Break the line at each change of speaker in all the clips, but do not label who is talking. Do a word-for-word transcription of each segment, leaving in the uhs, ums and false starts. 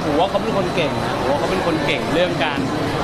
ผมว่าเขาเป็นคนเก่งนะผมว่าเขาเป็นคนเก่งเรื่องการ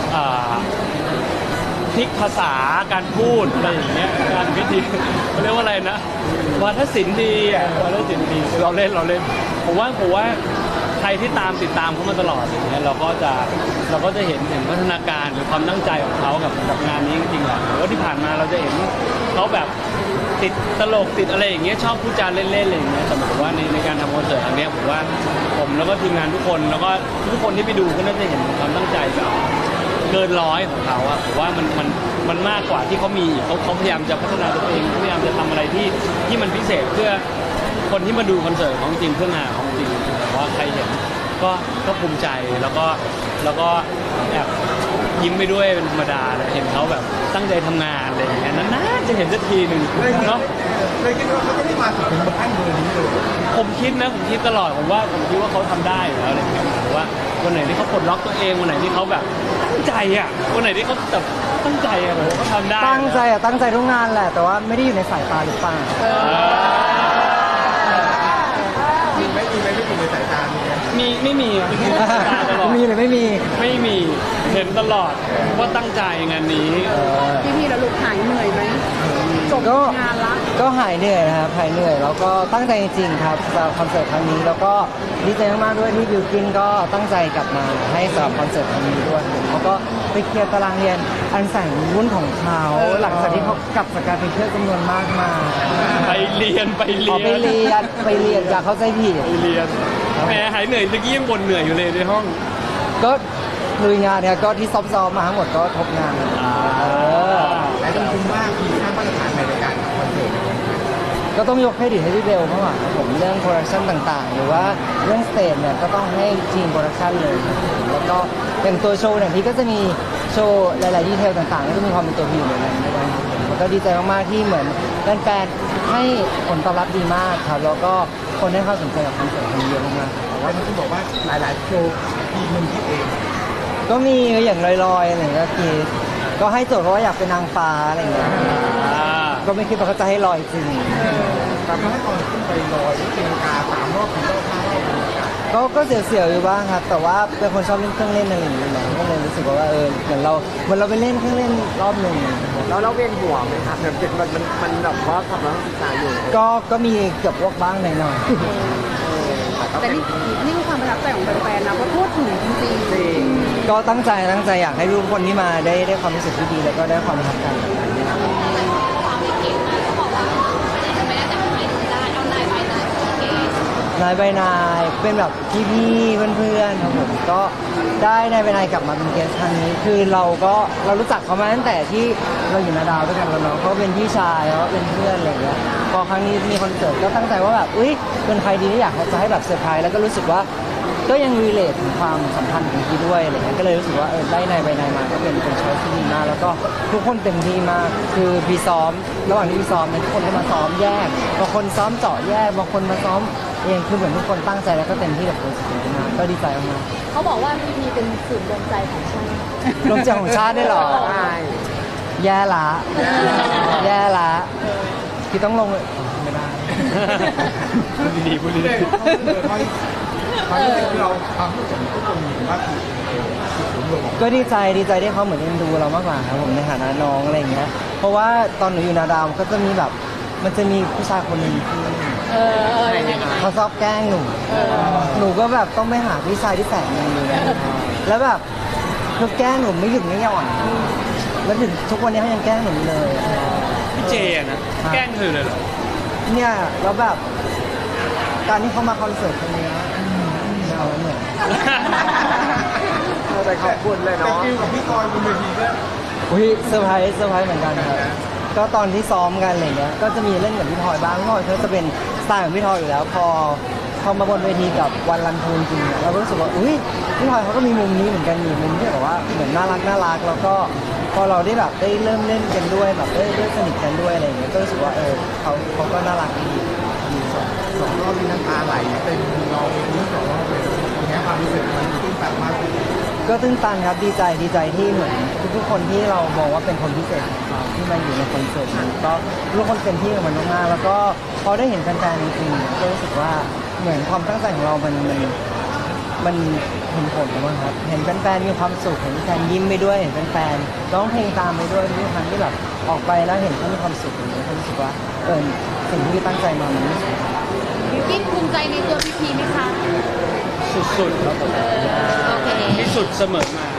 พลิกภาษาการพูดอะไรอย่างเงี้ยการวิธีเขาเรียกว่าอะไรนะวาทศิลป์ดีอ่ะวาทศิลป์ดีเราเล่นเราเล่นผมว่าผมว่าใครที่ตามติดตามเขามาตลอดอย่างเงี้ยเราก็จะเราก็จะเห็นเห็นพัฒนาการหรือความตั้งใจของเขากับกับงานนี้จริงๆแหละหรือว่าที่ผ่านมาเราจะเห็นเขาแบบติดตลกติดอะไรอย่างเงี้ยชอบพูดจาเล่นๆอะไรอย่างเงี้ยแต่ผมว่าในในการทำคอนเสิร์ตครั้งนี้ผมว่าผมแล้วก็ทีมงานทุกคนแล้วก็ทุกคนที่ไปดูก็น่าจะเห็นความตั้งใจแบบเกินร้อยของเขาอะผมว่ามันมันมันมากกว่าที่เขามีเขาเขาพยายามจะพัฒนาตัวเองพยายามจะทำอะไรที่ที่มันพิเศษเพื่อคนที่มาดูคอนเสิร์ตของจริงเพื่องานของจริงแต่ว่าใครเห็นก็ก็ภูมิใจแล้วก็แล้วก็แอบยิ้มไปด้วยเป็นธรรมดาเลยเห็นเขาแบบตั้งใจทำงานอะไรอย่างเงี้ยนานๆจะเห็นสักทีหนึ่งเนาะ
เลยคิดว่าเขาจะได้มาถึงขั้นเบอร์นี้เลย
ผมคิดนะผมคิดตลอดผมว่าผมคิดว่าเขาทำได้อยู่แล้วอะไรอย่างเงี้ยผมว่าวันไหนที่เขาปลดล็อกตัวเองวันไหนที่เขาแบบตั้งใจอ่ะวันไหนที่เขาแบบตั้งใจอ่ะผมว่าเขาทำได้
ตั้งใจอ่ะตั้งใจทุกงานแหละแต่ว่าไม่ได้อยู่ในสายตาหรือเปล่า
มีไหมมีไหมไม่อยู่ในสายตามีไหม
มีไม่มีอ่ะ
มีหรือไม่มี
ไม่มีเห็นตลอดว่าตั้งใจงานนี้
พี่พี่แล้วลูกหายเหนื่อยไหมจบงานละ
ก็หายเหนื่อยนะครับหายเหนื่อยแล้วก็ตั้งใจจริงๆครับสำหรับคอนเสิร์ตครั้งนี้แล้วก็ดีใจมากๆด้วยที่บิวกินก็ตั้งใจกลับมาให้สำหรับคอนเสิร์ตครั้งนี้ด้วยเขาก็ไปเคลียร์ตารางเรียนอันแสนวุ่นของเขาหลังจากที่เขากลับจากการไปเที่ยวจำนวนมากมา
ไปเรียนไปเรียน
ไปเรียนไปเรียนอย่าเข้าใจผิด
ไปเรียนแหมหายเหนื่อยตะกี้ยังบ่นเหนื่อยอยู่เลยในห้อง
ก็คืองานเนี่ยก็ที่ซ้อมๆมาทั้งหมดก็ทบงาน
แต่ต้องคุ้มมากมีค่ามาตรฐานในการคอนเสิร์ต
ก็ต้องยกเครดิตให้พี่เบลเพราะว่าผมเรื่องโปรดักชั่นต่างๆหรือว่าเรื่องสเตจเนี่ยก็ต้องให้ทีมโปรดักชั่นเลยแล้วก็เป็นตัวโชว์เนี่ยพี่ก็จะมีโชว์หลายๆดีเทลต่างๆก็จะมีความเป็นตัวพี่อยู่ในนั้นด้วยแล้วก็ดีใจมากๆที่เหมือนแฟนๆให้ผลตอบรับดีมากครับแล้วก็คนให้ความสนใจกับคอนเสิร์ตครั้งนี้เยอะมาก
ๆแต่ว่ามันต้องบอกว่าหลายๆโชว์ทีมมึงคิดเอง
ก็มีอย่างลอยๆอะไรอย่างเงี้ยคือก็ให้โจทย์เพราะว่าอยากเป็นนางฟ้าอะไรอย่างเงี้ยก็ไม่คิดว่าเขาจะให้ลอยจริง
แต่เมื่อตอนขึ้นไปลอยตีลังกาสามรอบสี่รอบห้ารอบ
ก็ก็เสียวๆอยู่บ้างครับแต่ว่าเป็นคนชอบเล่นเครื่องเล่นอะไรอย่างเงี้ยก็เลยรู้สึกว่าเออเหมือนเราเหมือนเราไปเล่นเครื่องเล่นรอบหนึ่ง
แล้วเราเวียนหัวไหมครับแบบมันมันมันแบบว่าทำแล้วศึกษาอยู่
ก็ก็มีเกือบพวกบ้างหน่อย
แต่นี่นี่คือความประทับใจของแฟนๆนะว่าพูดถึงจริง
ๆก็ตั้งใจตั้งใจอยากให้ทุกคนที่มาได้ได้ความรู้สึกที่ดีแล้วก็ได้ความประทับใจนายใบนายเป็นแบบพี่ๆเพื่อนๆครับผมก็ได้นายใบนายกลับมาเป็นเกสต์ครั้งนี้คือเราก็เรารู้จักเขามาตั้งแต่ที่เราอยู่นาดาวด้วยกันแล้วเนาะเขาเป็นพี่ชายแล้วก็เป็นเพื่อนอะไรอย่างเงี้ยพอครั้งนี้มีคอนเสิร์ตก็ตั้งใจว่าแบบอุ้ยเป็นใครดีที่อยากจะให้แบบเซอร์ไพรส์แล้วก็รู้สึกว่าก็ยังรีเลทถึงความสัมพันธ์ของพี่ด้วยอะไรเงี้ยก็เลยรู้สึกว่าเออได้นายใบนายมาก็เป็นเป็นช้อยที่ดีมากแล้วก็ทุกคนเต็มที่มากคือพี่ซ้อมระหว่างที่พี่ซ้อมเนี่ยทุกคนก็มาซ้อมแยกบางคนซ้อมเจาะแยกบางคนมาซ้อมเองคือเหมือนทุกคนตั้งใจแล้วก็เต็มที่กับโปรเจกต์นี้มากก็ดีใจมาก
เขาบอกว่าพี่พีเป็นสื่อดวงใจของชาติ
ดวงใจของชาติได้หรอใช่แย่ละแย่ละที่ต้องลงไม่ได้
พูดดีพูดดี
เขาที่เราความรู้สึกทุกคนมีว่า
ก็ดีใจดีใจที่เขาเหมือนเอ็นดูเรามากกว่าครับผมในฐานะน้องอะไรอย่างเงี้ยเพราะว่าตอนหนูอยู่นาดาวก็จะมีแบบมันจะมีผู้ชายคนหนึ่งที่เขาชอบแกล้งหนูหนูก็แบบต้องไปหาพี่ชายที่แสนดีแล้วแบบเขาแกล้งหนูไม่หยุดไม่หย่อนแล้วถึงทุกวันนี้เขายังแกล้งหนูเลย
พี่เจนะแกล้งเธอเลยเหรอ
เนี่ยแล้วแบบการที่เขามาคอนเสิร์ตครั้งนี้เอาเหมือน
เราใจขอบคุณเลยเนาะ
แต่คิวกับพี่กรณ์บนเวทีก็
อุ้ยเซอร์ไพรส์เซอร์ไพรส์เหมือนกันครับก็ตอนที่ซ้อมกันอะไรเงี้ยก็จะมีเล่นกับพี่ทอยบ้างพี่ทอยเขาจะเป็นสไตล์ของพี่ทอยอยู่แล้วพอพอมาบนเวทีกับวันรันทูจริงเราก็รู้สึกว่าอุ้ยพี่ทอยเขาก็มีมุมนี้เหมือนกันมีมุมที่แบบว่าเหมือนน่ารักน่ารักแล้วก็พอเราได้แบบได้เริ่มเล่นกันด้วยแบบได้ได้สนิทกันด้วยอะไรเงี้ยก็รู้สึกว่าเออเขาเขาก็น่ารักดี
สองรอบนี้น้ำตาไหลเป็นเราเองสองรอบเลยอย่างเงี้ยความรู้สึกมันตื้นตันมาก
ก็ตื้นตันครับดีใจดีใจที่เหมือนทุกๆคนที่เรามองว่าเป็นคนพิเศษที่มาอยู่ในคอนเสิร์ตนี้ก็ทุกคนเป็นที่กับมันมากๆแล้วก็พอได้เห็นแฟนๆจริงๆก็รู้สึกว่าเหมือนความตั้งใจของเรามันมันมันเห็นผลมั้งครับเห็นแฟนๆมีความสุขเห็นแฟนยิ้มไปด้วยเห็นแฟนๆร้องเพลงตามไปด้วยทุกครั้งที่แบบออกไปแล้วเห็นเขามีความสุขอย่างนี้ผมรู้สึกว่าเออสิ่งที่ตั้งใจมามันไม่สูญ
บิวกิ้นภูมิใจในตัวพีพีไหมคะ
สุดๆครับผม
โอเค
ที่สุดเสมอมา